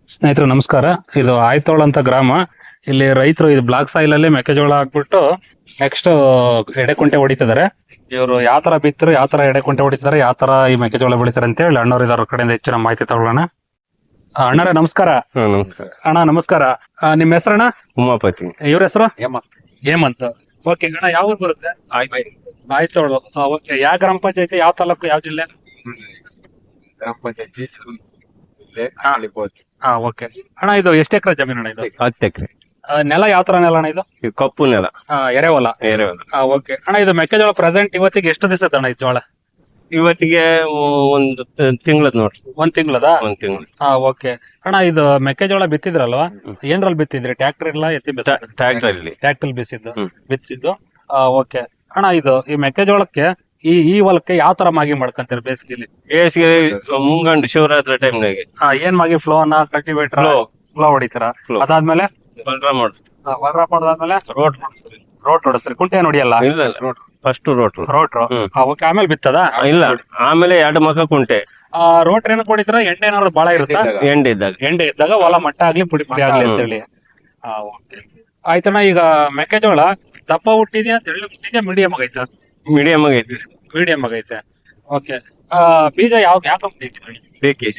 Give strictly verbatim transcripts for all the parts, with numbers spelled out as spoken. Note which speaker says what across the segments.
Speaker 1: ಸ್ನೇಹಿತರು ನಮಸ್ಕಾರ. ಇದು ಆಯ್ತೋಳ ಅಂತ ಗ್ರಾಮ. ಇಲ್ಲಿ ರೈತರು ಇದು ಬ್ಲಾಕ್ ಸಾಯಿಲ್ ಅಲ್ಲಿ ಮೆಕ್ಕೆಜೋಳ ಹಾಕ್ಬಿಟ್ಟು ನೆಕ್ಸ್ಟ್ ಎಡೆಕುಂಟೆ ಹೊಡಿತಿದ್ದಾರೆ. ಇವರು ಯಾವ ತರ ಬಿತ್ತರು, ಯಾವ ತರ ಎಡೆಕುಂಟೆ ಹೊಡಿತಾರೆ, ಯಾವ ತರ ಈ ಮೆಕ್ಕೆಜೋಳ ಬೆಳಿತಾರೆ ಅಂತ ಹೇಳಿ ಅಣ್ಣವ್ರು ಇದ್ರ ಕಡೆಯಿಂದ ಹೆಚ್ಚಿನ ಮಾಹಿತಿ ತಗೊಳ್ಳೋಣ. ಅಣ್ಣರೇ ನಮಸ್ಕಾರ.
Speaker 2: ನಮಸ್ಕಾರ
Speaker 1: ಅಣ್ಣ ನಮಸ್ಕಾರ. ಆ, ನಿಮ್ಮ ಹೆಸರಣ್ಣ?
Speaker 2: ಉಮಾಪತಿ.
Speaker 1: ಇವ್ರ ಹೆಸರು ಹೇಮಂತ್. ಓಕೆ ಅಣ್ಣ, ಯಾವ ಊರು ಬರುತ್ತೆ? ಆಯ್ತೋಳು. ಓಕೆ, ಯಾವ ಗ್ರಾಮ ಪಂಚಾಯತಿ, ಯಾವ ತಾಲೂಕು, ಯಾವ ಜಿಲ್ಲೆ?
Speaker 2: ಗ್ರಾಮ ಪಂಚಾಯತಿ
Speaker 1: ಹಾ ಓಕೆ ಅಣ್ಣ, ಇದು ಎಷ್ಟು ಎಕರೆ ಜಮೀನು ಅಣ್ಣ ಇದು?
Speaker 2: ಹತ್ತು ಎಕರೆ.
Speaker 1: ಆ, ನೆಲ ಯಾವ ತರ ನೆಲ ಅಣ್ಣ ಇದು?
Speaker 2: ಕಪ್ಪು ನೆಲ,
Speaker 1: ಆ, ಎರೆಹೊಲ.
Speaker 2: ಎರೆಹೊಲ.
Speaker 1: ಓಕೆ ಅಣ್ಣ, ಇದು ಮೆಕ್ಕೆಜೋಳ ಪ್ರೆಸೆಂಟ್ ಇವತ್ತಿಗೆ ಎಷ್ಟು ದಿವಸ ಅಣ್ಣ ಇದು ಜೋಳ?
Speaker 2: ಇವತ್ತಿಗೆ ಒಂದು ತಿಂಗಳದ್ ನೋಡ್ರಿ.
Speaker 1: ಒಂದ್ ತಿಂಗಳದ?
Speaker 2: ಒಂದ್ ತಿಂಗಳು.
Speaker 1: ಹಾ ಓಕೆ ಅಣ್ಣ, ಇದು ಮೆಕ್ಕೆಜೋಳ ಬಿತ್ತಿದ್ರಲ್ವಾ, ಏನ್ರಲ್ಲಿ ಬಿತ್ತಿದ್ರಿ? ಟ್ರ್ಯಾಕ್ಟರ್ ಇಲ್ಲ ಎತ್ತಿ ಬಿಸ?
Speaker 2: ಟ್ರ್ಯಾಕ್ಟರ್ ಅಲ್ಲಿ
Speaker 1: ಟ್ರ್ಯಾಕ್ಟರ್ ಬಿಸಿದ್ದು
Speaker 2: ಹ್ಮ್.
Speaker 1: ಬಿತ್ತಿದ್ದು. ಓಕೆ ಅಣ್ಣ, ಇದು ಈ ಮೆಕ್ಕೆಜೋಳಕ್ಕೆ ಈ ಈ ಹೊಲಕ್ಕೆ ಯಾವ ತರ ಮಾಗಿ ಮಾಡ್ಕೊಂತೀರಿ ಬೇಸಿಗೆಲಿ?
Speaker 2: ಬೇಸಿಗೆ ಮುಂಗಂಡು ಶಿವರಾತ್ರಿ ಟೈಮ್ನಾಗೆ
Speaker 1: ಹಾ, ಏನ್ ಮಾಗಿ? ಫ್ಲೋನ, ಕಲ್ಟಿವೇಟರ್?
Speaker 2: Flow.
Speaker 1: ಫ್ಲೋ ಹೊಡಿತೀರಾ?
Speaker 2: Flow.
Speaker 1: ಅದಾದ್ಮೇಲೆ
Speaker 2: ಬಲ್ರ ಮಾಡ್ತೀವಿ.
Speaker 1: ವರ್ರ ಮಾಡದಾದ್ಮೇಲೆ
Speaker 2: ರೋಟ್ ಮಾಡ್ತೀವಿ.
Speaker 1: ರೋಟ್ ಹೊಡಿಸ್ರಿ? ಕುಂಟೆ ಹೊಡಿಯಲ್ಲ?
Speaker 2: ಇಲ್ಲ ರೋಟ್ ಫಸ್ಟ್ ರೋಟ್.
Speaker 1: ರೋಟ್ರು.
Speaker 2: ಹ್ಮ್.
Speaker 1: ಓಕೆ, ಆಮೇಲೆ ಬಿತ್ತದ?
Speaker 2: ಇಲ್ಲ, ಆಮೇಲೆ ಎರಡು ಮಕ್ಕ ಕುಂಟೆ.
Speaker 1: ರೋಟ್ರ್ ಏನಕ್ಕೆ ಹೊಡಿತೀರ? ಎಂಡೆ ಏನಾದ್ರು ಬಾಳ ಇರುತ್ತಾ?
Speaker 2: ಎಂಡ್ ಇದ್ದಾಗ
Speaker 1: ಎಂಡೆ ಇದ್ದಾಗ ಹೊಲ ಮಟ್ಟ ಆಗ್ಲಿ ಪುಡಿ ಪುಡಿ ಆಗ್ಲಿ ಅಂತ ಹೇಳಿ. ಹಾ ಓಕೆ ಆಯ್ತಣ್ಣ. ಈಗ ಮೆಕ್ಕೆಜೋಳ ದಪ್ಪ ಹುಟ್ಟಿದ್ಯಾ, ತೆಳ್ಳು ಹುಟ್ಟಿದ್ಯಾ, ಮೀಡಿಯಂ ಆಗೈತಾ?
Speaker 2: ಮೀಡಿಯಂ ಆಗೈತಿ.
Speaker 1: ಮೀಡಿಯಂ ಆಗೈತೆ. ಓಕೆ, ಬೀಜ ಯಾವ ಯಾವ ಕಂಪ್ನಿ ಹಾಕಿದ್ರಿ?
Speaker 2: ಬೇಕಿ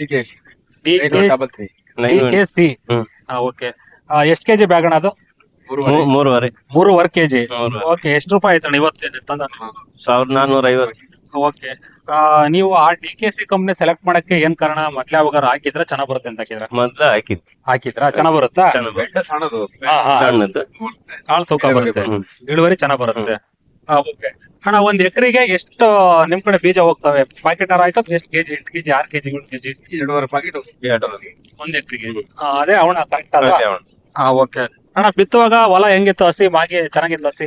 Speaker 1: ಡಿ ಕೆ ಸಿ.
Speaker 2: ಹ್ಮ್.
Speaker 1: ಓಕೆ, ಎಷ್ಟು ಕೆಜಿ ಬ್ಯಾಗ್ ಅಣ್ಣ ಅದು?
Speaker 2: ಮೂರುವರೆ
Speaker 1: ಮೂರುವರೆ ಕೆಜಿ.
Speaker 2: ಮೂರುವರೆ.
Speaker 1: ಓಕೆ, ಎಷ್ಟು ರೂಪಾಯಿ ಆಯ್ತಣ್ಣ ಇವತ್ತು ತಂದ?
Speaker 2: ಸಾವಿರದ ನಾನ್ನೂರ ಐವತ್ತು.
Speaker 1: ಓಕೆ, ನೀವು ಆ D K C company select ಮಾಡಕ್ಕೆ ಏನ್ ಕಾರಣ? ಮೊದ್ಲೇ ಅವಾಗ ಹಾಕಿದ್ರ ಚೆನ್ನಾಗ್ ಬರುತ್ತೆ ಅಂತ ಹಾಕಿದ್ರ?
Speaker 2: ಮೊದ್ಲ ಹಾಕಿದ್
Speaker 1: ಹಾಕಿದ್ರ ಚೆನ್ನಾಗ್ ಬರುತ್ತಾ?
Speaker 2: ಚೆನ್ನಾಗ್ ಬರುತ್ತೆ.
Speaker 1: ಹಾ, ಹಾ.
Speaker 2: ಸಣ್ಣದು.
Speaker 1: ಕಾಳು ತೂಕ ಬರುತ್ತೆ,
Speaker 2: ಹ್ಮ್.
Speaker 1: ಇಳುವರಿ ಚೆನ್ನಾಗ್ ಬರುತ್ತೆ. ಓಕೆ ಅಣ್ಣ, ಒಂದ್ ಎಕರೆಗೆ ಎಷ್ಟು ನಿಮ್ ಕಡೆ ಬೀಜ ಹೋಗ್ತವೆ? ಪ್ಯಾಕೆಟ್ ಆಯ್ತು ಎಷ್ಟು ಕೆಜಿ? ಎಂಟು ಕೆಜಿ, ಆರು ಕೆಜಿ, ಏಳು ಕೆಜಿ?
Speaker 2: ಎರಡೂವರೆ ಪ್ಯಾಕೆಟ್
Speaker 1: ಒಂದ್ ಎಕರೆಗೆ. ಅದೇ ಅವಣ ಕರೆಕ್ಟ್ ಅಲ್ಲ?
Speaker 2: ಅದೇ ಅವನು.
Speaker 1: ಹಾ ಓಕೆ ಅಣ್ಣ, ಬಿತ್ತುವಾಗ ಹೊಲ ಹೆಂಗಿತ್ತು? ಹಸಿ ಮಾಗಿ ಚೆನ್ನಾಗಿತ್ತು? ಹಸಿ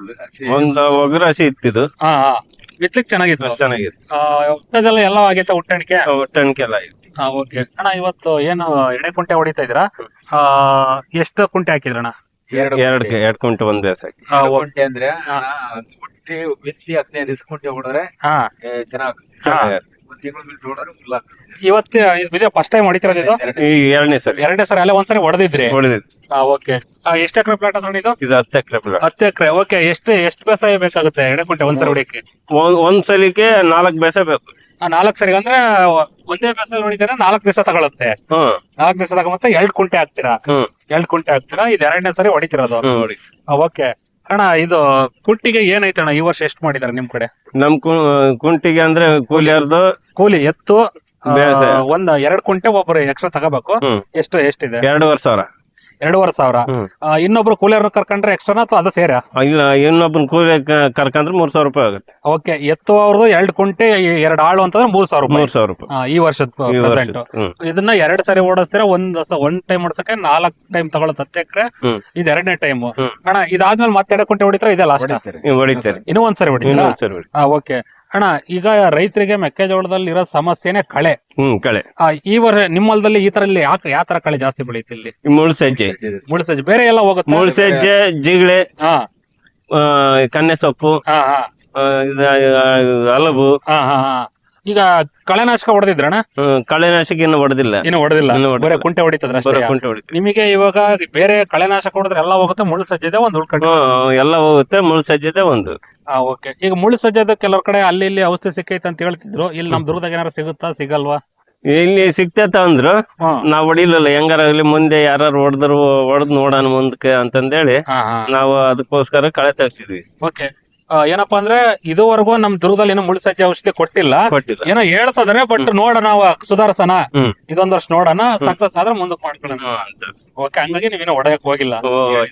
Speaker 2: ಒಂದು ಒಗರ ಹಸಿ ಇತ್ತಿದು.
Speaker 1: ಹಾ ಹಾ ಬಿತ್ಲಿಕ್ ಚೆನ್ನಾಗಿತ್ತು?
Speaker 2: ಚೆನ್ನಾಗಿತ್ತು.
Speaker 1: ಆ, ಹುಟ್ಟದೆಲ್ಲ ಎಲ್ಲ ಆಗೈತೆ ಉಟ್ಟಣಿಕೆ?
Speaker 2: ಒಟ್ಟಣಿಕೆಲ್ಲ ಇತ್ತು.
Speaker 1: ಹಾ ಓಕೆ ಅಣ್ಣ, ಇವತ್ತು ಏನು ಎಡೆ ಕುಂಟೆ ಹೊಡಿತಾ ಇದ್ದೀರಾ? ಆ, ಎಷ್ಟು ಕುಂಟೆ ಹಾಕಿದ್ರಣ್ಣ?
Speaker 2: ಎರಡು ಎರಡ್ ಕುಂಟೆ ಒಂದ್ ಬೇಸ್ ಹಾಕಿ.
Speaker 1: ಆ, ಓ-
Speaker 3: ಕುಂಟೆ ಅಂದ್ರೆ
Speaker 1: ಹಾ.
Speaker 3: ಕುಂಟೆ ಬಿತ್ತಿ ಹದಿನೈದು ದಿವಸ ಕುಂಟೆ ಹೊಡೆದ್ರೆ
Speaker 1: ಹಾ
Speaker 3: ಚೆನ್ನಾಗ್
Speaker 1: ಹಾ.
Speaker 3: ಒಂದ್ ತಿಂಗಳು ಬಿಟ್ಟು ಹೊಡೆದ್ರೆ full ಆಗ್ತದೆ.
Speaker 1: ಇವತ್ತು ಇದು ಫಸ್ಟ್ ಟೈಮ್ ಹೊಡಿತಿರೋದು ಇದು?
Speaker 2: ಈ ಎರಡನೇ ಸರಿ
Speaker 1: ಎರಡನೇ ಸರಿ ಅಲ್ಲೇ ಒಂದ್ಸರಿ ಹೊಡೆದಿದ್ರಿ?
Speaker 2: ಹೊಡೆದಿತ್ತು.
Speaker 1: ಹಾ ಓಕೆ, ಎಷ್ಟು ಎಕರೆ ಪ್ಲಾಟ್ ಅದ ಇದು?
Speaker 2: ಇದು ಹತ್ತು ಎಕರೆ ಪ್ಲಾಟ್.
Speaker 1: ಹತ್ತು ಎಕರೆ. ಓಕೆ, ಎಷ್ಟು ಎಷ್ಟು ಬೇಸಾಯ ಬೇಕಾಗುತ್ತೆ ಎಡೆ ಕುಂಟೆ ಒಂದ್ಸರಿ ಹೊಡಿಯಕ್ಕೆ?
Speaker 2: ಒಂದ್ ಸಲಿಗೆ ನಾಲ್ಕು ಬೇಸ ಬೇಕು.
Speaker 1: ನಾಲ್ಕು ಸರಿ ಅಂದ್ರೆ ಒಂದೇ ಬೇಸಾಯ ಹೊಡಿತಾರೆ, ನಾಲ್ಕು ದಿವಸ ತಗೊಳುತ್ತೆ.
Speaker 2: ಹ್ಮ್
Speaker 1: ನಾಲ್ಕು ದಿವಸ ತಗೊಂಬತ್ತ ಎರಡ್ ಕುಂಟೆ ಹಾಕ್ತೀರಾ?
Speaker 2: ಹ್ಮ್
Speaker 1: ಎರಡ್ ಕುಂಟೆ ಹಾಕ್ತೀರಾ, ಇದು ಎರಡನೇ ಸರಿ ಹೊಡಿತಿರೋದು?
Speaker 2: ಹ್ಮ್ ಹೊಡಿ.
Speaker 1: ಓಕೆ ಅಣ್ಣ, ಇದು ಕುಟ್ಟಿಗೆ ಏನೈತೆ ಅಣ್ಣ ಈ ವರ್ಷ ಎಷ್ಟು ಮಾಡಿದಾರೆ ನಿಮ್ ಕಡೆ?
Speaker 2: ನಮ್ ಕು- ಕುಂಟಿಗೆ ಅಂದ್ರೆ ಕೂಲಿಯರ್ದು
Speaker 1: ಕೂಲಿ ಎತ್ತು ಆ,
Speaker 2: ಬೇಸಾಯ.
Speaker 1: ಒಂದ್ ಎರಡ್ ಕುಂಟೆ ಒಬ್ರು ಎಕ್ಸ್ಟ್ರಾ ತಗೋಬೇಕು.
Speaker 2: ಹ್ಮ್
Speaker 1: ಎಷ್ಟು ಎಷ್ಟಿದೆ?
Speaker 2: ಎರಡೂವರೆ ಸಾವಿರ.
Speaker 1: ಎರಡೂವರೆ ಸಾವಿರ.
Speaker 2: ಹ್ಮ್
Speaker 1: ಆ, ಇನ್ನೊಬ್ರು ಕೂಲಿಯರ್ ಕರ್ಕೊಂಡ್ರೆ ಎಕ್ಸ್ಟ್ರಾ ಅಥವಾ ಅದು ಸೇರ?
Speaker 2: ಇಲ್ಲ, ಇನ್ನೊಬ್ಬನ ಕೂಲಿ ಕ- ಕರ್ಕಂದ್ರೆ ಮೂರ್ ಸಾವಿರ ರೂಪಾಯಿ ಆಗುತ್ತೆ.
Speaker 1: ಓಕೆ, ಎತ್ತು ಅವ್ರದ್ದು ಎರಡ್ ಕುಂಟೆ ಎರಡ್ ಆಳು ಅಂತಂದ್ರೆ ಮೂರ್ ಸಾವಿರ ರೂಪಾಯಿ
Speaker 2: ಮೂರ್ ಸಾವಿರ ರೂಪಾಯಿ
Speaker 1: ಆ, ಈ ವರ್ಷದ
Speaker 2: ಈ
Speaker 1: ಪ್ರೆಸೆಂಟ್.
Speaker 2: ವರ್ಷ. ಹ್ಮ್
Speaker 1: ಇದನ್ನ ಎರಡ್ ಸರಿ ಓಡಿಸ್ತೀರಾ? ಒಂದ್ ಒಂದ್ ಟೈಮ್ ಓಡಿಸಕ್ಕೆ ನಾಲ್ಕ್ ಟೈಮ್ ತಗೊಳತ್ ಹತ್ತು ಎಕರೆ.
Speaker 2: ಹ್ಮ್
Speaker 1: ಇದು ಎರಡನೇ ಟೈಮ್.
Speaker 2: ಹ್ಮ್.
Speaker 1: ಅಣ್ಣ, ಇದಾದ್ಮೇಲೆ ಮತ್ತೆ ಎರಡ್ ಕುಂಟೆ ಹೊಡಿತಾರ? ಇದೆ ಲಾಸ್ಟ್?
Speaker 3: ಹೊಡಿತಾರೆ.
Speaker 2: ಇವ್ ಹೊಡಿತಾರೆ.
Speaker 1: ಇನ್ನೂ ಒಂದ್ಸರಿ ಹೊಡಿತೀರಾ?
Speaker 2: ಇನ್ನೊಂದ್ ಸರಿ ಹೊಡಿ.
Speaker 1: ಓಕೆ ಅಣ್ಣ, ಈಗ ರೈತರಿಗೆ ಮೆಕ್ಕೆಜೋಳದಲ್ಲಿ ಇರೋ ಸಮಸ್ಯೆನೆ ಕಳೆ.
Speaker 2: ಹ್ಮ್ ಕಳೆ.
Speaker 1: ಆ, ಈ ವರ್ಷ ನಿಮ್ಮ ಹೊಲದಲ್ಲಿ ಈ ತರ ಇಲ್ಲಿ ಯಾಕೆ ಯಾವ ತರ ಕಳೆ ಜಾಸ್ತಿ ಬೆಳೀತಿ ಇಲ್ಲಿ?
Speaker 2: ಈ ಮುಳ್ಸಜ್ಜೆ
Speaker 1: ಮುಳ್ಸಜ್ಜೆ ಬೇರೆ ಎಲ್ಲ ಹೋಗುತ್ತೆ?
Speaker 2: ಮುಳ್ಸಜ್ಜೆ, ಜಿಗಳೆ,
Speaker 1: ಹಾ
Speaker 2: ಆ, ಕನ್ನೆ ಸೊಪ್ಪು,
Speaker 1: ಹಾ ಹಾ
Speaker 2: ಆ, ಇದು, ಆ, ಹಲವು.
Speaker 1: ಹಾ ಹಾ ಹಾ ಈಗ ಕಳೆನಾಶಕ ಹೊಡೆದಿದ್ರಣ್ಣ?
Speaker 2: ಹ್ಮ್, ಕಳೆನಾಶಕ ಇನ್ನು ಹೊಡೆದಿಲ್ಲ.
Speaker 1: ಇನ್ನು ಹೊಡೆದಿಲ್ಲ,
Speaker 2: ಇನ್ನು ಹೊಡೆದಿಲ್ಲ.
Speaker 1: ಬರೀ ಕುಂಟೆ ಹೊಡಿತದ್ರ
Speaker 2: ಬರೋ
Speaker 1: ಅಷ್ಟೇ?
Speaker 2: ಕುಂಟೆ ಹೊಡಿತೀವಿ.
Speaker 1: ನಿಮಗೆ ಇವಾಗ ಬೇರೆ ಕಳೆನಾಶಕ ಹೊಡೆದ್ರೆ ಎಲ್ಲ ಹೋಗುತ್ತೆ, ಮುಳ್ಳು ಸಜ್ಜದೆ ಒಂದು ಉಳ್ಕೊಂಡು?
Speaker 2: ಹ್ಮ್, ಎಲ್ಲ ಹೋಗುತ್ತೆ. ಮುಳ್ಸಜ್ಜದೆ ಒಂದು.
Speaker 1: ಹಾ ಓಕೆ, ಈಗ ಮುಳ್ಳು ಸಜ್ಜದ ಕೆಲವ್ರ ಕಡೆ ಅಲ್ಲಿ ಇಲ್ಲಿ ಔಷಧಿ ಸಿಕ್ಕೈತೆ ಅಂತ ಹೇಳ್ತಿದ್ರು. ಇಲ್ಲಿ ನಮ್ ದುರ್ಗದಾಗ ಏನಾರು ಸಿಗುತ್ತಾ ಸಿಗಲ್ವಾ?
Speaker 2: ಇಲ್ಲಿ ಸಿಕ್ತೇತ ಅಂದ್ರು,
Speaker 1: ಹ್ಮ್.
Speaker 2: ನಾವ್ ಹೊಡಿಲಿಲ್ಲ. ಹೆಂಗಾರ ಆಗ್ಲಿ ಮುಂದೆ ಯಾರು ಹೊಡೆದ್ರು ಹೊಡೆದ್ ನೋಡೋಣ ಮುಂದಕ್ಕೆ ಅಂತಂದೇಳಿ
Speaker 1: ಹಾ ಹಾ
Speaker 2: ನಾವು ಅದಕ್ಕೋಸ್ಕರ ಕಳೆ ತೆಗ್ಸಿದ್ವಿ.
Speaker 1: ಓಕೆ, ಏನಪ್ಪಾ ಅಂದ್ರೆ ಇದುವರೆಗೂ ನಮ್ ದುರ್ಗದಲ್ಲಿ ಏನೋ ಮುಳ್ಳು ಸಜ್ಜೆ ಔಷಧಿ ಕೊಟ್ಟಿಲ್ಲ.
Speaker 2: ಕೊಟ್ಟಿಲ್ಲ.
Speaker 1: ಏನೋ ಹೇಳ್ತದ್ರೆ, ಬಟ್ ನೋಡೋಣ ನಾವು ಸುಧಾರಿಸೋಣ,
Speaker 2: ಹ್ಮ್
Speaker 1: ಇದೊಂದ್ ವರ್ಷ ನೋಡೋಣ, ಸಕ್ಸಸ್ ಆದ್ರೆ ಮುಂದಕ್ಕೆ ಮಾಡ್ಕೊಳ್ಳೋಣ.
Speaker 2: ಹ್ಮ್ ಅಂತ.
Speaker 1: ಓಕೆ, ಹಂಗಾಗಿ ನೀವೇನೋ ಹೊಡೆಯಕ್ ಹೋಗಿಲ್ಲ.
Speaker 2: ಓ,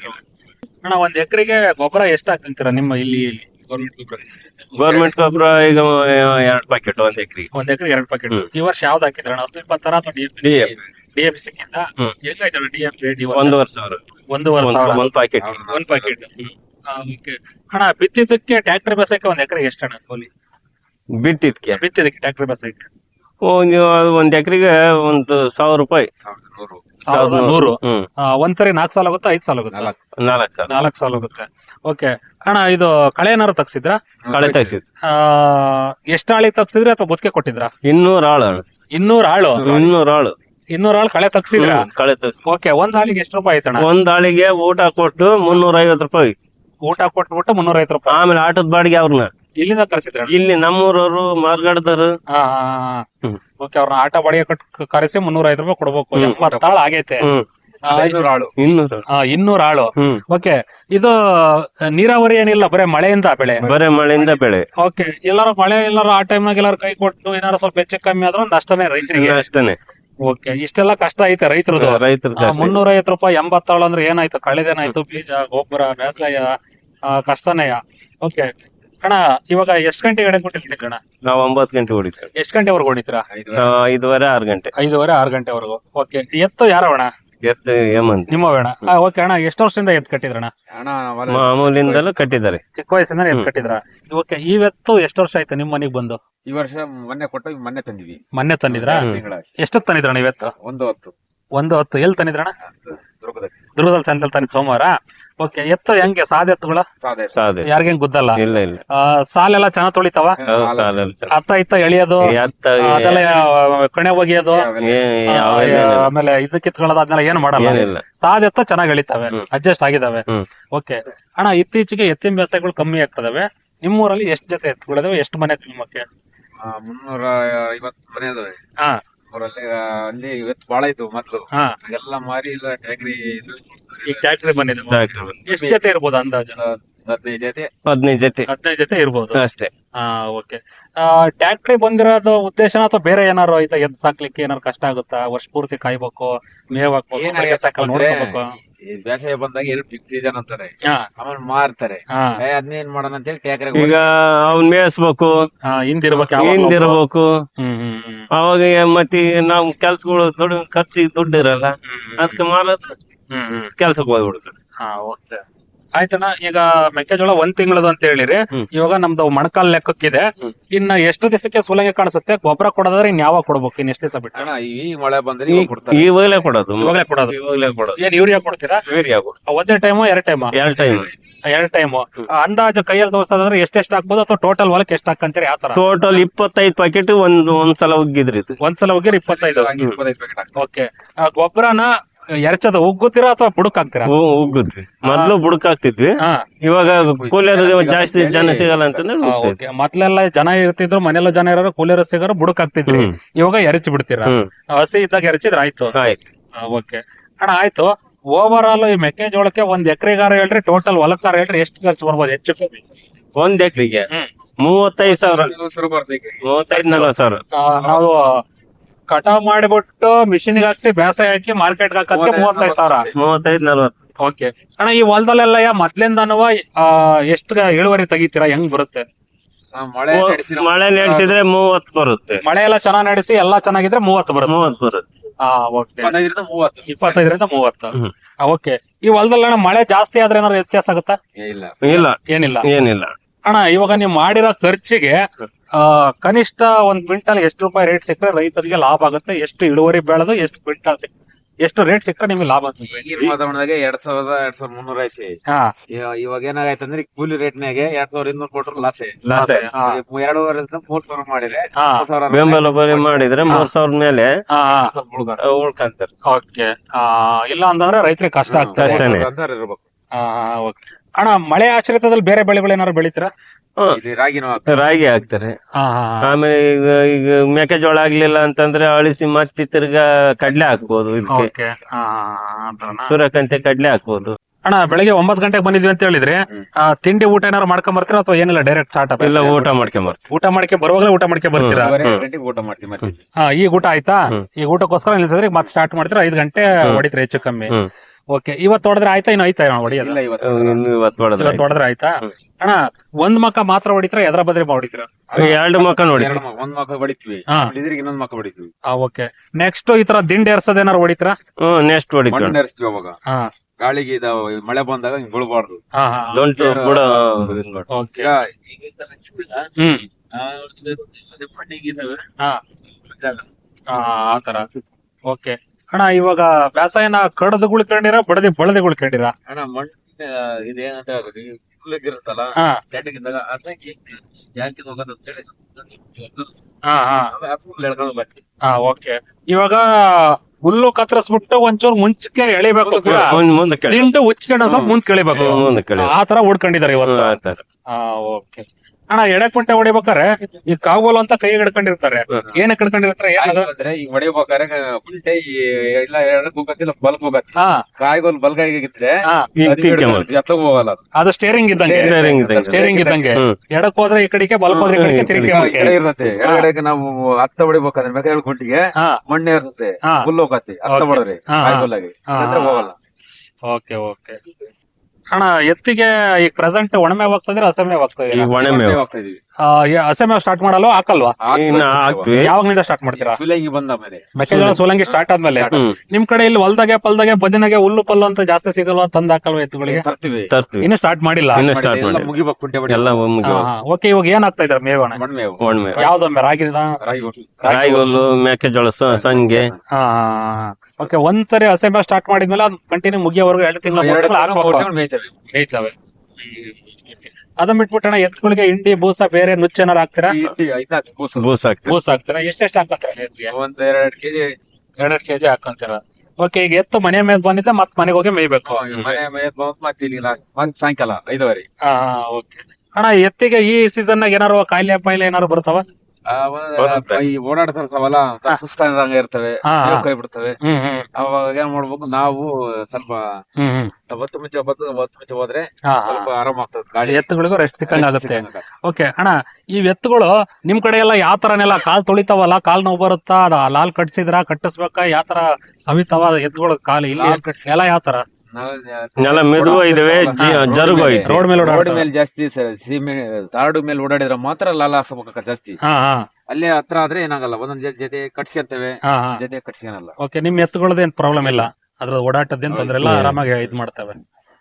Speaker 1: ಅಣ್ಣ, ಒಂದ್ ಎಕರೆಗೆ ಗೊಬ್ಬರ ಎಷ್ಟ್ ಹಾಕ್ತಿರ ನಿಮ್ಮ ಇಲ್ಲಿ ಗೌರ್ಮೆಂಟ್ ಗೊಬ್ಬರ?
Speaker 2: ಗೌರ್ಮೆಂಟ್ ಗೊಬ್ಬರ ಈಗ ಎರಡ್ ಪ್ಯಾಕೆಟ್ ಒಂದ್ ಎಕ್ರಿ.
Speaker 1: ಒಂದ್ ಎಕರೆ ಎರಡ್ ಪ್ಯಾಕೆಟ್.
Speaker 2: ಹ್ಮ್.
Speaker 1: ಈ ವರ್ಷ ಯಾವ್ದು ಹಾಕಿದ್ರಣ್ಣ? ಹತ್ತು ಇಪ್ಪತ್ತರ ಅಥವಾ D
Speaker 2: D F
Speaker 1: D F ಸಿಕ್ಕಿಂದ?
Speaker 2: ಹ್ಮ್.
Speaker 1: ಹೆಂಗಾಯ್ತಣ್ಣ ಡಿ ಎಫ್ ರೇಟ್?
Speaker 2: ಒಂದೂವರೆ ಸಾವಿರ.
Speaker 1: ಒಂದೂವರೆ
Speaker 2: ಒಂದ್-
Speaker 1: ಸಾವಿರ
Speaker 2: ಒಂದ್ ಪ್ಯಾಕೆಟ್.
Speaker 1: ಒಂದ್ ಪ್ಯಾಕೆಟ್. ಓಕೆ ಅಣ್ಣ, ಬಿತ್ತಿದ್ದಕ್ಕೆ ಟ್ರ್ಯಾಕ್ಟರ್ ಬೇಸಾಯಕ್ಕೆ ಒಂದ್ ಎಕರೆ ಎಷ್ಟಣ್ಣ ಕೂಲಿ?
Speaker 2: ಬಿತ್ತಿದ್ಕೆ
Speaker 1: ಬಿತ್ತಿದ್ದಕ್ಕೆ ಟ್ರ್ಯಾಕ್ಟರ್ ಬೇಸಾಯಕ್ಕೆ
Speaker 2: ಒಂದ್ ಒಂದ್ ಎಕರೆಗೆ ಒಂದು ಸಾವಿರ ರೂಪಾಯಿ.
Speaker 1: ಸಾವಿರದ ನೂರು.
Speaker 2: ಹ್ಮ್
Speaker 1: ಆ, ಒಂದ್ಸರಿ ನಾಲ್ಕು ಸಾಲ ಹೋಗುತ್ತಾ ಐದು ಸಾಲ ಹೋಗುತ್ತಾ?
Speaker 2: ನಾಲ್ಕು ಸಾವಿರ.
Speaker 1: ನಾಲ್ಕು ಸಾಲ ಹೋಗುತ್ತೆ. ಓಕೆ ಅಣ್ಣ, ಇದು ಕಳೆ ಏನಾರು ತಗ್ಸಿದ್ರ?
Speaker 2: ಕಳೆ ತೆಗ್ಸಿದ್
Speaker 1: ಎಷ್ಟು ಆಳಿಗೆ ತಗ್ಸಿದ್ರಿ ಅಥವಾ ಗುತ್ತಿಗೆ ಕೊಟ್ಟಿದ್ರ?
Speaker 2: ಇನ್ನೂರ ಆಳು.
Speaker 1: ಇನ್ನೂರು ಆಳು?
Speaker 2: ಇನ್ನೂರ ಆಳು.
Speaker 1: ಇನ್ನೂರ ಆಳು ಕಳೆ ತಗ್ಸಿದ್ರ
Speaker 2: ಹ್ಮ್, ಕಳೆ ತೆಗ್ಸಿ.
Speaker 1: ಓಕೆ ಒಂದ್ ಆಳಿಗೆ ಎಷ್ಟು ರೂಪಾಯಿ ಆಯ್ತಣ್ಣ
Speaker 2: ಒಂದ್ ಆಳಿಗೆ ಊಟ ಕೊಟ್ಟು ಮುನ್ನೂರ ಐವತ್ತು ರೂಪಾಯಿ.
Speaker 1: ಊಟ ಕೊಟ್ಬಿಟ್ಟು ಮುನ್ನೂರ ಐವತ್ತು ರೂಪಾಯಿ
Speaker 2: ಆಮೇಲೆ ಆಟದ ಬಾಡಿಗೆ ಅವ್ರನ್ನ
Speaker 1: ಇಲ್ಲಿಂದ ಕರ್ಸಿದ್ರ
Speaker 2: ಇಲ್ಲಿ ನಮ್ಮೂರವ್ರು ಮಾರ್ಗಡದರು.
Speaker 1: ಹಾ
Speaker 2: ಹ್ಮ್.
Speaker 1: ಓಕೆ ಅವ್ರನ್ನ ಆಟ ಬಾಡಿಗೆ ಕಟ್ ಕರೆಸಿ ಮುನ್ನೂರ ಐದು ರೂಪಾಯಿ ಕೊಡ್ಬೇಕು
Speaker 2: ಹ್ಮ್.
Speaker 1: ಎಂಬತ್ತಾಳು ಆಗೈತೆ
Speaker 2: ಹ್ಮ್
Speaker 1: ಆ,
Speaker 3: ಐನೂರು ಆಳು
Speaker 2: ಇನ್ನೂರು.
Speaker 1: ಆ, ಇನ್ನೂರ ಆಳು
Speaker 2: ಹ್ಮ್
Speaker 1: ಓಕೆ ಇದು ನೀರಾವರಿ ಏನಿಲ್ಲ ಬರೇ ಮಳೆಯಿಂದ ಬೆಳೆ
Speaker 2: ಬರೇ ಮಳೆಯಿಂದ ಬೆಳೆ
Speaker 1: ಓಕೆ ಎಲ್ಲಾರು ಮಳೆ ಎಲ್ಲಾರು ಆ ಟೈಮ್ನಾಗ ಎಲ್ಲಾರು ಕೈ ಕೊಟ್ಟು ಏನಾರು ಸ್ವಲ್ಪ ಹೆಚ್ಚು ಕಮ್ಮಿ ಆದ್ರೂ ನಷ್ಟನೇ ರೈತರಿಗೆ
Speaker 2: ಅಷ್ಟೇನೆ.
Speaker 1: ಓಕೆ ಇಷ್ಟೆಲ್ಲ ಕಷ್ಟ ಐತೆ ರೈತರದು
Speaker 2: ರೈತರ
Speaker 1: ಮುನ್ನೂರ ಐವತ್ತು ರೂಪಾಯಿ ಎಂಬತ್ತಾಳು ಅಂದ್ರೆ ಏನಾಯ್ತು ಕಳೆದೇನಾಯ್ತು ಬೀಜ ಗೊಬ್ಬರ ಬೇಸಾಯ ಆ, ಕಷ್ಟನೇಯ ಓಕೆ ಅಣ್ಣ ಇವಾಗ ಎಷ್ಟ್ ಗಂಟೆಗೆ ಎಡೆ ಕೊಟ್ಟಿರ್ತೀರಿ ಅಣ್ಣ
Speaker 2: ನಾವ್ ಒಂಬತ್ತು ಗಂಟೆ ಹೊಡಿತೇವೆ.
Speaker 1: ಎಷ್ಟ್ ಗಂಟೆವರೆಗೂ ಹೊಡಿತೀರಾ
Speaker 3: ಐದು
Speaker 2: ಆ, ಐದುವರೆ ಆರು ಗಂಟೆ
Speaker 1: ಐದುವರೆ ಆರು ಗಂಟೆವರೆಗೂ ಓಕೆ ಎತ್ತು ಯಾರೋ ಅಣ್ಣ
Speaker 2: ಎತ್ತು ಹೇಮಂತ್
Speaker 1: ನಿಮ್ಮ ಅಣ್ಣ ಓಕೆ ಅಣ್ಣ ಎಷ್ಟು ವರ್ಷದಿಂದ ಎತ್ ಕಟ್ಟಿದ್ರಣ್ಣ
Speaker 3: ಹಣ ಹೊಲ
Speaker 2: ಮಾಮೂಲಿಂದಲೂ ಕಟ್ಟಿದ್ದಾರೆ.
Speaker 1: ಚಿಕ್ಕ ವಯಸ್ಸಿಂದ ಎತ್
Speaker 2: ಹ್ಮ್.
Speaker 1: ಕಟ್ಟಿದ್ರ ಓಕೆ ಇವತ್ತು ಎಷ್ಟು ವರ್ಷ ಆಯ್ತು ನಿಮ್ ಮನೆಗ್ ಬಂದು
Speaker 3: ಈ ವರ್ಷ ಮೊನ್ನೆ ಕೊಟ್ಟು ಈಗ ಮೊನ್ನೆ ತಂದಿದ್ವಿ.
Speaker 1: ಮೊನ್ನೆ ತಂದಿದ್ರ
Speaker 2: ಹ್ಮ್.
Speaker 3: ತಿಂಗಳ
Speaker 1: ಎಷ್ಟಕ್ ತಂದಿದ್ರಣ್ಣ ಇವತ್ತು
Speaker 3: ಒಂದು ಹೊತ್ತು
Speaker 1: ಒಂದು ಹೊತ್ತು ಎಲ್ಲಿ ತಂದಿದ್ರಣ್ಣ
Speaker 3: ದುರ್ಗದಲ್ಲಿ
Speaker 1: ದುರ್ಗದಲ್ಲಿ ಸಂತೆಲ್ ತಂದಿದ್ ಸೋಮವಾರ ಓಕೆ ಎತ್ತು ಹೆಂಗೆ ಸಾದ ಎತ್ತುಗಳ
Speaker 3: ಸಾದೆ
Speaker 2: ಸಾದೆ
Speaker 1: ಯಾರಿಗೇನ್ ಗುದ್ದಲ್ಲ
Speaker 2: ಇಲ್ಲ ಇಲ್ಲ
Speaker 1: ಆ, ಸಾಲೆಲ್ಲ ಚೆನ್ನಾಗ್ ತೊಳಿತಾವ
Speaker 2: ಹೌದು, ಸಾಲಲ್ಲಿ ಸಾಲ.
Speaker 1: ಅತ್ತ ಇತ್ತ ಎಳಿಯೋದು
Speaker 2: ಎತ್ತ
Speaker 1: ಆ, ಅದೆಲ್ಲ ಆ, ಕಣೆ ಒಗೆಯೋದು
Speaker 2: ಏ-
Speaker 1: ಆ,
Speaker 2: ಅವೆಲ್ಲ
Speaker 1: ಆಮೇಲೆ ಇದು ಕಿತ್ಕೊಳ್ಳೋದು ಅದನ್ನೆಲ್ಲ ಏನು ಮಾಡಲ್ಲ
Speaker 2: ಏನಿಲ್ಲ.
Speaker 1: ಸಾದ ಎತ್ತ ಚೆನ್ನಾಗ್ ಎಳಿತಾವೆ
Speaker 2: ಹ್ಮ್.
Speaker 1: ಅಡ್ಜಸ್ಟ್ ಆಗಿದಾವೆ
Speaker 2: ಹ್ಮ್.
Speaker 1: ಓಕೆ ಅಣ್ಣ ಇತ್ತೀಚೆಗೆ ಎತ್ತಿನ ಬೇಸಾಯಗಳು ಕಮ್ಮಿ ಆಗ್ತದವೆ ನಿಮ್ಮೂರಲ್ಲಿ ಎಷ್ಟು ಜೊತೆ ಎತ್ತುಗಳಿದಾವೆ ಎಷ್ಟು ಮನೆ ನಿಮ್ಮಕ್ಕೆ
Speaker 3: ಆ, ಮುನ್ನೂರ ಐವತ್ತು ಮನೆ ಅದಾವೆ
Speaker 1: ಹಾ
Speaker 3: ಅವರಲ್ಲಿ ಅಲ್ಲಿ ಇವತ್ತು ಬಾಳ ಇತ್ತು ಮೊದ್ಲು
Speaker 1: ಹಾ
Speaker 3: ಎಲ್ಲ ಮಾರಿ ಇಲ್ಲ ಟ್ಯಾಕ್ರಿ
Speaker 1: ಈಗ ಟ್ಯಾಕ್ಟ್ರಿ ಬಂದಿದೆ ಎಷ್ಟು ಜೊತೆ ಇರ್ಬೋದು ಅಂದಾಜು
Speaker 3: ಹದಿನೈದು ಜೊತೆ
Speaker 2: ಹದಿನೈದು ಜೊತೆ
Speaker 1: ಹದಿನೈದು ಜೊತೆ ಇರ್ಬೋದು
Speaker 2: ಅಷ್ಟೇ.
Speaker 1: ಹಾ ಓಕೆ ಟ್ಯಾಕ್ಟ್ರಿ ಬಂದಿರೋದು ಉದ್ದೇಶನ ಅಥವಾ ಬೇರೆ ಏನಾರು ಐತಾ ಎದ್ ಸಾಕ್ಲಿಕ್ಕೆ ಏನಾರು ಕಷ್ಟ ಆಗುತ್ತಾ ವರ್ಷ ಪೂರ್ತಿ ಕಾಯ್ಬೇಕು ಮೇವ್ ಹಾಕ್ಬೇಕು
Speaker 3: ಏನ್
Speaker 1: ಮಳೆಗೆ ಸಾಕಲ್ಲ
Speaker 3: ಅಂದ್ರೆ
Speaker 1: ನೋಡ್ಕೋಬೇಕು
Speaker 3: ಈ ಬೇಸಾಯ ಬಂದಾಗ ಎರಡು ಬಿಗ್ ಸೀಸನ್ ಅಂತಾರೆ
Speaker 1: ಹಾ
Speaker 3: ಆಮೇಲೆ ಮಾರ್ತಾರೆ
Speaker 1: ಹಾ
Speaker 3: ಏ ಅದನ್ನೇನ್ ಮಾಡೋಣ ಅಂತೇಳಿ ಟ್ಯಾಕ್ರಿ
Speaker 2: ಈಗ ಅವ್ನ್ ಮೇಯಿಸ್ಬೇಕು,
Speaker 1: ಹಾ ಹಿಂದಿರ್ಬೇಕು ಯಾವಾಗ್ಲೂ.
Speaker 2: ಹಿಂದಿರ್ಬೇಕು.
Speaker 1: ಹ್ಮ್ ಹ್ಮ್ ಹ್ಮ್
Speaker 2: ಅವಾಗ ಮತ್ತೆ ನಾವು ಕೆಲ್ಸಗಳು ದುಡ್ಡು ಖರ್ಚಿಗೆ ದುಡ್ಡು ಇರಲ್ಲ, ಅದಕ್ಕೆ ಮಾರೋದು
Speaker 1: ಹ್ಮ್ ಹ್ಮ್
Speaker 2: ಕೆಲ್ಸಕ್ಕೆ ಹೋಗ್ಬಿಡ್ತಾರೆ.
Speaker 1: ಹಾ ಓಕೆ ಆಯ್ತಣ್ಣ ಈಗ ಮೆಕ್ಕೆಜೋಳ ಒಂದ್ ತಿಂಗಳದು ಅಂತ ಹೇಳಿರಿ
Speaker 2: ಹ್ಮ್.
Speaker 1: ಇವಾಗ ನಮ್ದು ಮೊಣಕಾಲ್ ಲೆಕ್ಕಕ್ಕಿದೆ
Speaker 2: ಹ್ಮ್.
Speaker 1: ಇನ್ನ ಎಷ್ಟು ದಿವಸಕ್ಕೆ ಸುಲಂಗೆ ಕಾಣಿಸುತ್ತೆ ಗೊಬ್ಬರ ಕೊಡೋದಾದ್ರೆ ಇನ್ ಯಾವಾಗ ಕೊಡ್ಬೇಕು ಇನ್ ಎಷ್ಟು ದಿವಸ ಬಿಟ್ಟು
Speaker 3: ಅಣ್ಣ ಈ ಮಳೆ ಬಂದ್ರೆ
Speaker 2: ಈ-
Speaker 3: ಇವಾಗ ಕೊಡ್ತಾರೆ
Speaker 2: ಇವಾಗಲೇ ಕೊಡೋದು
Speaker 1: ಇವಾಗಲೇ ಕೊಡೋದು
Speaker 2: ಇವಾಗಲೇ ಕೊಡೋದು
Speaker 1: ಏನ್ ಯೂರಿಯಾ ಕೊಡ್ತೀರಾ
Speaker 2: ಯೂರಿಯಾ ಕೊಡು.
Speaker 1: ಒಂದೇ ಟೈಮು ಎರಡ್ ಟೈಮು
Speaker 2: ಎರಡು ಟೈಮ್
Speaker 1: ಎರಡ್ ಟೈಮು ಅಂದಾಜು ಕೈಯಲ್ಲಿ ತೋರ್ಸೋದಾದ್ರೆ ಎಷ್ಟೆಷ್ಟು ಹಾಕ್ಬೋದು ಅಥವಾ ಟೋಟಲ್ ಹೊಲಕ್ಕೆ ಎಷ್ಟು ಹಾಕಂತೀರಿ ಯಾವ ತರ
Speaker 2: ಟೋಟಲ್ ಇಪ್ಪತ್ತೈದು ಪ್ಯಾಕೆಟ್ ಒಂದ್ ಒಂದ್ಸಲ ಉಗ್ಗಿದ್ರಿ ಇದು.
Speaker 1: ಒಂದ್ಸಲ ಹೋಗಿರಿ ಇಪ್ಪತ್ತೈದು
Speaker 3: ಹಂಗೆ ಇಪ್ಪತ್ತೈದು ಪ್ಯಾಕೆಟ್ ಹಾಕ್ತಾರೆ
Speaker 1: ಓಕೆ ಗೊಬ್ಬರನ ಎರಚದ ಉಗ್ಗುತ್ತೀರಾ ಅಥವಾ ಬುಡಕ್ ಹಾಕ್ತೀರಾ
Speaker 2: ಉ- ಉಗ್ಗುದ್ವಿ ಮೊದ್ಲು ಬುಡಕ್ ಹಾಕ್ತಿದ್ವಿ,
Speaker 1: ಹಾ
Speaker 2: ಇವಾಗ ಕೂಲಿಯರ್ ಜಾಸ್ತಿ ಜನ ಸಿಗಲ್ಲ ಅಂತಂದ್ರೆ
Speaker 1: ಆ,
Speaker 2: ಉಗ್ತಿದ್ವಿ.
Speaker 1: ಓಕೆ ಮೊದ್ಲೆಲ್ಲ ಜನ ಇರ್ತಿದ್ರು ಮನೆಯಲ್ಲ ಜನ ಇರೋರು ಕೂಲಿಯರ್ ಸಿಗೋರು ಬುಡಕ್ ಹಾಕ್ತಿದ್ರಿ
Speaker 2: ಹ್ಮ್.
Speaker 1: ಇವಾಗ ಎರಚಿ ಬಿಡ್ತೀರಾ
Speaker 2: ಹ್ಮ್
Speaker 1: ಹಸಿ ಇದ್ದಾಗ ಎರಚಿದ್ರೆ ಆಯ್ತು
Speaker 2: ಆಯ್ತು.
Speaker 1: ಓಕೆ ಅಣ್ಣ ಆಯ್ತು ಓವರ್ ಆಲ್ ಈ ಮೆಕ್ಕೆಜೋಳಕ್ಕೆ ಒಂದ್ ಎಕರೆಗಾರ ಹೇಳ್ರಿ ಟೋಟಲ್ ಹೊಲಕ್ಕಾರ ಹೇಳ್ರಿ ಎಷ್ಟು ಖರ್ಚು ಬರ್ಬೋದು ಹೆಚ್ಚು ಕಮ್ಮಿ
Speaker 2: ಒಂದ್ ಎಕ್ರೆಗೆ
Speaker 1: ಹ್ಮ್.
Speaker 2: ಮೂವತ್ತೈದು ಸಾವಿರ
Speaker 3: ಶುರು ಬರ್ತೈತೆ
Speaker 2: ಮೂವತ್ತೈದು ನಲ್ವತ್ತು ಸಾವಿರ
Speaker 1: ಆ, ನಾವು ಕಟಾವ್ ಮಾಡಿಬಿಟ್ಟು ಮಿಷಿನ್ ಹಾಕ್ಸಿ ಬೇಸಾಯ ಹಾಕಿ ಮಾರ್ಕೆಟ್ ಹಾಕೋದಕ್ಕೆ ಮೂವತ್ತೈದು ಸಾವಿರ
Speaker 2: ಮೂವತ್ತೈದು ನಲ್ವತ್ತು.
Speaker 1: ಓಕೆ ಅಣ್ಣ ಈ ಹೊಲದಲ್ಲೆಲ್ಲ ಮೊದ್ಲಿಂದನೂ ಎಷ್ಟು ಇಳುವರಿ ತೆಗಿತೀರಾ ಹೆಂಗ್ ಬರುತ್ತೆ
Speaker 3: ಆ, ಮಳೆ
Speaker 2: ಓ,
Speaker 3: ನಡೆಸಿ
Speaker 2: ಮಳೆ ನಡೆಸಿದ್ರೆ ಮೂವತ್ತು ಬರುತ್ತೆ,
Speaker 1: ಮಳೆ ಎಲ್ಲ ಚೆನ್ನಾಗ್ ನಡೆಸಿ ಎಲ್ಲಾ ಚೆನ್ನಾಗಿದ್ರೆ ಮೂವತ್ತು ಬರುತ್ತೆ
Speaker 2: ಮೂವತ್ತು ಬರುತ್ತೆ.
Speaker 1: ಹಾ ಓಕೆ
Speaker 3: ಹದಿನೈದರಿಂದ ಮೂವತ್ತು
Speaker 1: ಇಪ್ಪತ್ತೈದರಿಂದ ಮೂವತ್ತು
Speaker 2: ಹ್ಮ್.
Speaker 1: ಓಕೆ ಈ ಹೊಲದಲ್ಲಿ ಅಣ್ಣ ಮಳೆ ಜಾಸ್ತಿ ಆದ್ರೆ ಏನಾದ್ರು ವ್ಯತ್ಯಾಸ ಆಗುತ್ತಾ
Speaker 3: ಏ, ಇಲ್ಲ
Speaker 2: ಇಲ್ಲ
Speaker 1: ಏನಿಲ್ಲ
Speaker 2: ಏನಿಲ್ಲ.
Speaker 1: ಅಣ್ಣ ಇವಾಗ ನೀವು ಮಾಡಿರೋ ಖರ್ಚಿಗೆ ಆ, ಕನಿಷ್ಠ ಒಂದ್ ಕ್ವಿಂಟಲ್ ಎಷ್ಟು ರೂಪಾಯಿ ರೇಟ್ ಸಿಕ್ಕರೆ ರೈತರಿಗೆ ಲಾಭ ಆಗುತ್ತೆ ಎಷ್ಟು ಇಳುವರಿ ಬೆಳೆದು ಎಷ್ಟು ಕ್ವಿಂಟಲ್ ಸಿಕ್ ಎಷ್ಟು ರೇಟ್ ಸಿಕ್ಕರೆ ನಿಮಗೆ ಲಾಭ ಅನ್ಸುತ್ತೆ
Speaker 3: ಈಗಿನ ವಾತಾವರಣದಾಗೆ ಎರಡ್ ಸಾವಿರದ ಎರಡ್ ಸಾವಿರದ ಮುನ್ನೂರ ಐತಿ
Speaker 1: ಹಾ
Speaker 3: ಇವಾಗ ಏನಾಗೈತೆ ಅಂದ್ರೆ ಕೂಲಿ ರೇಟ್ನಾಗೆ ಎರಡ್ ಸಾವಿರದ ಇನ್ನೂರು ಕೊಟ್ರು ಲಾಸೆ
Speaker 1: ಲಾಸೆ, ಹಾ.
Speaker 3: ಎರಡೂವರೆ ಮೂರ್ ಸಾವಿರ ಮಾಡಿದ್ರೆ
Speaker 1: ಹಾ
Speaker 3: ಮೂರ್ ಸಾವಿರ
Speaker 2: ಬೆಂಬಲ ಬೆಲೆ ಮಾಡಿದ್ರೆ ಮೂರ್ ಸಾವಿರ ಮೇಲೆ
Speaker 1: ಹಾ
Speaker 3: ಸ್ವಲ್ಪ ಉಳ್ದ.
Speaker 2: ಉಳ್ಕಂತಾರೆ.
Speaker 1: ಓಕೆ ಇಲ್ಲ ಅಂತಂದ್ರೆ ರೈತರಿಗೆ ಕಷ್ಟ ಆಗ್ತದೆ
Speaker 2: ಕಷ್ಟನೇ.
Speaker 3: ಅಂತ ಇರ್ಬೇಕು.
Speaker 1: ಹಾ ಓಕೆ ಅಣ್ಣ ಮಳೆ ಆಶ್ರಿತದಲ್ಲಿ ಬೇರೆ ಬೆಳೆಗಳು ಏನಾದ್ರು ಬೆಳಿತೀರಾ
Speaker 2: ಹ್ಮ್.
Speaker 3: ಇದು ರಾಗಿನೂ ಹಾಕ್ತಾರೆ.
Speaker 2: ರಾಗಿ ಹಾಕ್ತಾರೆ,
Speaker 1: ಹಾ ಹಾ
Speaker 2: ಆಮೇಲೆ ಈಗ ಈಗ ಮೆಕ್ಕೆಜೋಳ ಆಗ್ಲಿಲ್ಲ ಅಂತಂದ್ರೆ ಅಳಿಸಿ ಮತ್ತೆ ತಿರ್ಗಾ ಕಡ್ಲೆ ಹಾಕ್ಬೋದು, ಇದಕ್ಕೆ
Speaker 1: ಓಕೆ ಹಾ
Speaker 2: ಸೂರ್ಯಕಾಂತಿ ಕಡ್ಲೆ ಹಾಕ್ಬೋದು.
Speaker 1: ಅಣ್ಣ ಬೆಳಿಗ್ಗೆ ಒಂಬತ್ ಗಂಟೆಗೆ ಬಂದಿದ್ವಿ ಅಂತ ಹೇಳಿದ್ರಿ
Speaker 3: ಹ್ಮ್.
Speaker 1: ಆ, ತಿಂಡಿ ಊಟ ಏನಾರು ಮಾಡ್ಕೊಂಡ್ ಬರ್ತೀರಾ ಅಥವಾ ಏನಿಲ್ಲ ಡೈರೆಕ್ಟ್ ಸ್ಟಾರ್ಟ್
Speaker 2: ಇಲ್ಲ ಊಟ ಮಾಡ್ಕೊಂಬರ್
Speaker 1: ಊಟ ಮಾಡ್ಕೆ ಬರುವಾಗಲೇ ಊಟ ಮಾಡ್ಕೆ ಬರ್ತೀರಾ
Speaker 3: ಮೂರುವರೆ
Speaker 2: ಹ್ಮ್.
Speaker 3: ಗಂಟೆಗೆ ಊಟ ಮಾಡ್ತೀವಿ ಮತ್ತೆ
Speaker 1: ಹಾ ಈಗ ಊಟ ಆಯ್ತಾ
Speaker 2: ಹ್ಮ್.
Speaker 1: ಈಗ ಊಟಕ್ಕೋಸ್ಕರ ನಿಲ್ಸಿದ್ರೆ ಮತ್ತೆ ಸ್ಟಾರ್ಟ್ ಮಾಡ್ತೀರಾ ಐದು ಗಂಟೆ
Speaker 2: ಹ್ಮ್.
Speaker 1: ಹೊಡಿತೀರಾ ಹೆಚ್ಚು ಕಮ್ಮಿ
Speaker 2: ಹ್ಮ್.
Speaker 1: ಓಕೆ ಇವತ್ತು ಹೊಡೆದ್ರೆ ಆಯ್ತಾ ಇನ್ನು ಐತಾ ಇನ್ನು ಹೊಡಿಯೋದು
Speaker 3: ಇಲ್ಲ ಇವತ್ತು
Speaker 2: ಇನ್ನು ಇವತ್ತು ಹೊಡೆದ್ರೆ
Speaker 1: ಇವತ್ತು ಹೊಡೆದ್ರೆ ಆಯ್ತಾ
Speaker 2: ಹ್ಮ್.
Speaker 1: ಅಣ್ಣ ಒಂದ್ ಮಕ್ಕ ಮಾತ್ರ ಹೊಡಿತೀರಾ ಎದ್ರ ಬದ್ರಿ ಹೊಡಿತೀರಾ
Speaker 2: ಎರಡು ಮಕ್ಕ ನೋಡಿ
Speaker 3: ಎರಡು ಮ- ಒಂದ್ ಮಕ್ಕ ಹೊಡಿತೀವಿ
Speaker 1: ಹಾ.
Speaker 3: ಇದ್ರಿಗೆ ಇನ್ನೊಂದ್ ಮಕ್ಕ ಹೊಡಿತೀವಿ
Speaker 1: ಓಕೆ ನೆಕ್ಸ್ಟ್ ಈ ತರ ದಿಂಡಿ ಏರ್ಸೋದ್ ಏನಾರು ಹೊಡಿತೀರಾ
Speaker 2: ಹ್ಮ್ ನೆಕ್ಸ್ಟ್ ಹೊಡಿತೀವಿ.
Speaker 3: ಮಣ್ಣು ನೆರೆಸ್ತೀವಿ ಅವಾಗ
Speaker 1: ಹಾ
Speaker 3: ಗಾಳಿಗೆ ಇದಾವ ಮಳೆ ಬಂದಾಗ ಹಿಂಗ್ ಬೀಳ್ಬಾರ್ದು
Speaker 1: ಹಾ ಹಾ
Speaker 2: ದೊಡ್ಡ ಬುಡ
Speaker 1: ಓಕೆ
Speaker 3: ಈಗ
Speaker 1: ಹ್ಮ್
Speaker 3: ಮಣ್ಣಿಗೆ
Speaker 1: ಹಾ ಹಾ ಆತರ ಓಕೆ ಅಣ್ಣ ಇವಾಗ ಬೇಸಾಯನ ಕಡದು ಗುಳ್ಕೊಂಡಿರ ಬಡದಿ ಬಳದಿ ಗುಳ್ಕೊಂಡಿರ
Speaker 3: ಅಣ್ಣ ಮಣ್ಣಿನ ಇದೇನಂತ ಇರುತ್ತಲ್ಲ
Speaker 1: ಹಾ
Speaker 3: ಕೆಟ್ಟಗಿದ್ದಾಗ ಅದಕ್ಕೆ ಜಾಸ್ತಿ ಹೋಗೋದು ಅಂತೇಳಿ
Speaker 1: ಹಾ ಹಾ
Speaker 3: ಎಳ್ಕೊಂಡು ಬರ್ತೀವಿ.
Speaker 1: ಹಾ ಓಕೆ ಇವಾಗ ಹುಲ್ಲು ಕತ್ತರಿಸ್ಬಿಟ್ಟು ಒಂಚೂರು ಮುಂಚಕ್ಕೆ ಎಳಿಬೇಕು ಪೂರ.
Speaker 2: ಮುಂದ್ ಮುಂದೆ ಕೆಳ
Speaker 1: ತಿಂಡು ಉಚ್ಕೊಂಡು ಸ್ವಲ್ಪ ಮುಂದ್ ಕೆಳಿಬೇಕು.
Speaker 2: ಮುಂದೆ ಕೆಳ
Speaker 1: ಆ ತರ ಹೊಡ್ಕೊಂಡಿದ್ದಾರೆ ಇವತ್ತು. ಹಾ ಓಕೆ ಅಣ್ಣ, ಎಡೆ ಕುಂಟೆ ಹೊಡಿಬೇಕಾರೆ ಈ ಕಾಗೋಲು ಅಂತ ಕೈ ಹಿಡ್ಕೊಂಡಿರ್ತಾರೆ. ಏನಕ್ಕೆ ಹಿಡ್ಕೊಂಡಿರ್ತಾರೆ? ಏನದು?
Speaker 3: ಅಂದ್ರೆ ಈಗ ಹೊಡಿಬೇಕಾರೆ ಕುಂಟೆ ಈ ಇಲ್ಲ ಎರಡಕ್ಕೆ ಹೋಗತ್ತಿಲ್ಲ ಬಲ್ಕ್ ಹೋಗತ್ತೆ.
Speaker 1: ಹಾ
Speaker 3: ಕಾಯಿಗೊಂದು ಬಲ್ಗಾಗಿದ್ರೆ
Speaker 1: ಹಾ
Speaker 3: ಎತ್ತ ಹೋಗಲ್ಲ ಅದು.
Speaker 1: ಅದು ಸ್ಟೇರಿಂಗ್ ಇದ್ದಂಗೆ.
Speaker 2: Steering ಇದ್ದಂಗೆ.
Speaker 1: ಸ್ಟೇರಿಂಗ್ ಇದ್ದಂಗೆ
Speaker 2: ಹ್ಮ್.
Speaker 1: ಎಡಕ್ ಹೋದ್ರೆ ಈ ಕಡೆಗೆ, ಬಲ್ಕ್ ಹೋದ್ರೆ ಈ ಕಡೆಗೆ ತಿರುಗಿ.
Speaker 3: ಈ ಕಡೆ ಇರ್ತದೆ ಎಡಗಡೆಗೆ ನಾವು ಹತ್ತ ಹೊಡಿಬೇಕಾದ್ರೆ ಮೆಕ್ಕೆಜೋಳ ಕುಂಟಿಗೆ
Speaker 1: ಹಾ
Speaker 3: ಮಣ್ಣೆ ಇರ್ತದೆ,
Speaker 1: ಹಾ
Speaker 3: ಹುಲ್ಲು ಹೋಗತ್ತೆ. ಹತ್ತ
Speaker 1: Okay.
Speaker 3: ಹೊಡೆದ್ರೆ
Speaker 1: ಹಾ, ಹಾ.
Speaker 3: ಕಾಯಿಗೊಲ್ಲಾಗಿ
Speaker 1: ಹಾ,
Speaker 3: ಇಲ್ಲಾಂದ್ರೆ
Speaker 1: ಹಾ.
Speaker 3: ಹೋಗಲ್ಲ.
Speaker 1: ಓಕೆ ಓಕೆ ಅಣ್ಣ, ಎತ್ತಿಗೆ ಈಗ ಪ್ರೆಸೆಂಟ್ ಒಣಮೆ ಹೋಗ್ತದ್ರೆ ಹಸಮೆ ಹೋಗ್ತದೆ?
Speaker 2: ಈಗ ಒಣ ಮೇವು
Speaker 3: ಹೋಗ್ತಾ ಇದೀವಿ.
Speaker 1: ಹಸಮೆ ಸ್ಟಾರ್ಟ್ ಮಾಡಲ್ವಾ? ಹಾಕಲ್ವಾ?
Speaker 2: ಇನ್ನ ಹಾಕ್ತಿವಿ.
Speaker 1: ಯಾವಾಗ್ನಿಂದ ಸ್ಟಾರ್ಟ್ ಮಾಡ್ತೀರಾ?
Speaker 3: ಸುಲಂಗಿ ಬಂದ ಮೇಲೆ
Speaker 1: ಮೆಕ್ಕೆಜೋಳ ಸೋಲಂಗಿ ಸ್ಟಾರ್ಟ್ ಆದ್ಮೇಲೆ
Speaker 2: ಹ್ಮ್
Speaker 1: ನಿಮ್ ಕಡೆ ಇಲ್ಲಿ ಹೊಲ್ದಾಗೆ ಪಲ್ದಾಗೆ ಬದಿನಾಗೆ ಹುಲ್ಲು ಪಲ್ಲು ಅಂತ ಜಾಸ್ತಿ ಸಿಗಲ್ವಾ? ತಂದ್ ಹಾಕಲ್ವಾ ಎತ್ತುಗಳಿಗೆ?
Speaker 3: ತರ್ತೀವಿ.
Speaker 2: ತರ್ತೀವಿ.
Speaker 1: ಇನ್ನು ಸ್ಟಾರ್ಟ್ ಮಾಡಿಲ್ಲ.
Speaker 2: ಇನ್ನು ಸ್ಟಾರ್ಟ್
Speaker 3: ಎಲ್ಲ
Speaker 2: ಮಾಡಿ
Speaker 3: ಮುಗಿಬೇಕು ಕುಂಟೆ ಹೊಡಿ.
Speaker 2: ಎಲ್ಲ ಮುಗಿ
Speaker 1: ಓಕೆ, ಇವಾಗ ಏನ್ ಆಗ್ತಾ ಇದಾರೆ ಮೇವಣ?
Speaker 3: ಮಣ್ಮೇವು
Speaker 2: ಒಣ ಮೇವು,
Speaker 1: ಯಾವ್ದೊಮ್ಮೆ ರಾಗಿದ?
Speaker 3: ರಾಗಿ ಹೊಟ್ಟು.
Speaker 2: ರಾಯಿಗೊಲ್ಲು, ಮೆಕ್ಕೆಜೋಳ, ಸ- ಸಂಗೆ.
Speaker 1: ಹಾ ಓಕೆ, ಒಂದ್ಸರಿ ಹಸೆ ಸ್ಟಾರ್ಟ್ ಮಾಡಿದ್ಮೇಲೆ ಅದು ಕಂಟಿನ್ಯೂ ಮುಗಿಯೋವರೆಗೂ ಎರಡು ತಿಂಗಳ
Speaker 3: ಎರಡು ತಿಂಗಳು
Speaker 1: ಹಾಕ್ಬೇಕು.
Speaker 3: ಹೊಡ್ಕೊಂಡು ಮೇಯ್ತೇವೆ.
Speaker 1: ಬೇಯ್ತವೆ. ಅದನ್ನ ಬಿಟ್ಬಿಟ್ಟಣ ಎತ್ತುಗಳಿಗೆ ಹಿಂಡಿ ಬೂಸ ಬೇರೆ ನುಚ್ಚೇನಾರು ಹಾಕ್ತೀರಾ?
Speaker 3: ಈ ಹಿಟ್ಟು ಐದು ಹಾಕಿ ಕೂಸು.
Speaker 2: ಬೂಸ್ ಹಾಕ್ತಿವಿ.
Speaker 1: ಬೂಸ ಹಾಕ್ತೀರಾ? ಎಷ್ಟೆಷ್ಟು ಹಾಕತ್ತೀರಾ ಎತ್ತಿಗೆ?
Speaker 3: ಒಂದ್ ಎರಡ್ ಕೆಜಿ
Speaker 1: ಎರಡೆರಡು ಕೆಜಿ ಹಾಕೊಂತೀರಾ? ಓಕೆ, ಈಗ ಎತ್ತು ಮನೆ ಮೇಲೆ ಬಂದಿದ್ದೆ ಮತ್ ಮನೆಗೆ ಹೋಗಿ ಮೇಯ್ಬೇಕು.
Speaker 3: ಮನೆ ಮೇಯ್ದ್ ಬಂದ್ ಮತ್ತೆ ಇಲ್ಲಿ last ಮತ್ತೆ ಸಾಯಂಕಾಲ ಐದುವರೆ.
Speaker 1: ಹಾ ಓಕೆ ಅಣ್ಣ, ಎತ್ತಿಗೆ ಈ ಸೀಸನ್ ನಾಗ ಏನಾರು ಕಾಯಿಲೆ ಪಾಯಿಲೆ ಏನಾರು ಬರ್ತಾವ?
Speaker 3: ಆ, ಒಂದ್-
Speaker 2: ಬರುತ್ತೆ.
Speaker 3: ಈ ಓಡಾಡ್ತಿರ್ತಾವಲ್ಲ ಸುಸ್ತಾದಂಗ ಇರ್ತವೆ,
Speaker 1: ಹಾ,
Speaker 3: ಮೇವು
Speaker 1: ಹಾ.
Speaker 3: ಕೈ ಬಿಡ್ತವೆ.
Speaker 1: ಹ್ಮ್ ಹ್ಮ್
Speaker 3: ಅವಾಗ ಏನ್ ಮಾಡ್ಬೇಕು ನಾವು ಸ್ವಲ್ಪ
Speaker 1: ಹ್ಮ್ ಹ್ಮ್
Speaker 3: ಬತ್ತು ಮುಂಚೆ ಬತ್ತು ಬತ್ತು ಮುಂಚೆ ಹೋದ್ರೆ
Speaker 1: ಹಾ
Speaker 3: ಸ್ವಲ್ಪ
Speaker 1: ಹಾ
Speaker 3: ಆರಾಮ ಆಗ್ತದೆ ಗಾಳಿ.
Speaker 1: ಎತ್ತುಗಳಿಗೂ ರೆಸ್ಟ್ ಸಿಕ್ಕಂಗ ಆಗುತ್ತೆ.
Speaker 3: ಸಿಕ್ಕಂಗ.
Speaker 1: ಓಕೆ ಅಣ್ಣ, ಈ ಎತ್ತುಗಳು ನಿಮ್ ಕಡೆ ಎಲ್ಲ ಯಾವ ತರನೆಲ್ಲ ಕಾಲ್ ತೊಳಿತಾವಲ್ಲ, ಕಾಲ್ ನೋವು ಬರುತ್ತಾ? ಅದ ಲಾಲ್ ಕಟ್ಸಿದ್ರ ಕಟ್ಟಿಸ್ಬೇಕಾ? ಯಾವ ತರ ಸವಿತಾವ ಎತ್ತುಗಳು ಕಾಲು? ಇಲ್ಲಿ
Speaker 3: ಲಾಲ್ ಕಟ್ಸಿ-
Speaker 1: ಎಲ್ಲ ಯಾವ ತರ?
Speaker 3: ನಾವು-
Speaker 2: ನೆಲ ಮೆದುವು ಇದಾವೆ, ಜರುಗು ಐತಿ.
Speaker 1: ರೋಡ್ ಮೇಲೆ
Speaker 3: ರೋಡ್
Speaker 1: ಓಡಾಡ್ತಾವೆ.
Speaker 3: ಮೇಲೆ ಜಾಸ್ತಿ ಸ- ಸೀಮೆ ತಾಡು ಮೇಲೆ ಓಡಾಡಿದ್ರೆ ಮಾತ್ರ ಲಾಲ ಹಾಕ್ಬೇಕ ಜಾಸ್ತಿ.
Speaker 1: ಹಾ ಹಾ
Speaker 3: ಅಲ್ಲೇ ಹತ್ರ ಆದ್ರೆ ಏನಾಗಲ್ಲ, ಒಂದೊಂದ್ ಜೊ- ಜೊತೆ ಕಟ್ಸ್ಕೊಂತೇವೆ,
Speaker 1: ಹಾ ಹಾ
Speaker 3: ಜೊತೆ ಕಟ್ಸ್ಕೊಳಲ್ಲ.
Speaker 1: ಓಕೆ, ನಿಮ್ ಎತ್ತುಗಳದೇನ್ ಪ್ರಾಬ್ಲಮ್ ಇಲ್ಲ, ಅದ್ರ ಓಡಾಟದ್ದೇನ್ ತೊಂದ್ರೆ ಇಲ್ಲ,
Speaker 2: ಹೌದು.
Speaker 1: ಆರಾಮಾಗಿ ಇದ್ ಮಾಡ್ತವೆ.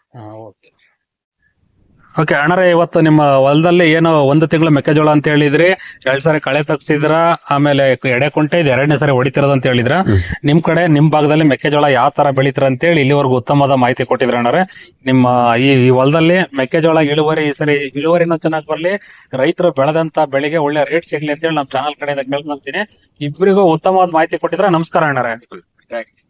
Speaker 1: ಓಕೆ ಅಣ್ಣರೇ, ಇವತ್ತು ನಿಮ್ಮ ಹೊಲದಲ್ಲಿ ಏನು ಒಂದು ತಿಂಗಳು ಮೆಕ್ಕೆಜೋಳ ಅಂತ ಹೇಳಿದ್ರಿ, ಎರಡ್ ಸಾರಿ ಕಳೆ ತಗ್ಸಿದ್ರ, ಆಮೇಲೆ ಎಡೆ ಕುಂಟೆ ಇದು ಎರಡನೇ ಸಾರಿ ಹೊಡಿತಿರೋದು ಅಂತ ಹೇಳಿದ್ರ. ನಿಮ್ ಕಡೆ ನಿಮ್ ಭಾಗದಲ್ಲಿ ಮೆಕ್ಕೆಜೋಳ ಯಾವ ತರ ಬೆಳಿತೀರ ಅಂತ ಹೇಳಿ ಇಲ್ಲಿವರೆಗೂ ಉತ್ತಮವಾದ ಮಾಹಿತಿ ಕೊಟ್ಟಿದ್ರ ಅಣ್ಣರೇ. ನಿಮ್ಮ ಈ ಈ ಹೊಲದಲ್ಲಿ ಮೆಕ್ಕೆಜೋಳ ಇಳುವರಿ ಈ ಸರಿ ಇಳುವರಿನೂ ಚೆನ್ನಾಗಿ ಬರ್ಲಿ, ರೈತರು ಬೆಳೆದಂತ ಬೆಳೆಗೆ ಒಳ್ಳೆ ರೇಟ್ ಸಿಗ್ಲಿ ಅಂತ ಹೇಳಿ ನಮ್ ಚಾನಲ್ ಕಡೆಯಿಂದ ಕೇಳ್ಕೊಂತೀನಿ. ಇಬ್ಬರಿಗೂ ಉತ್ತಮವಾದ ಮಾಹಿತಿ ಕೊಟ್ಟಿದ್ರ. ನಮಸ್ಕಾರ ಅಣ್ಣರೇ.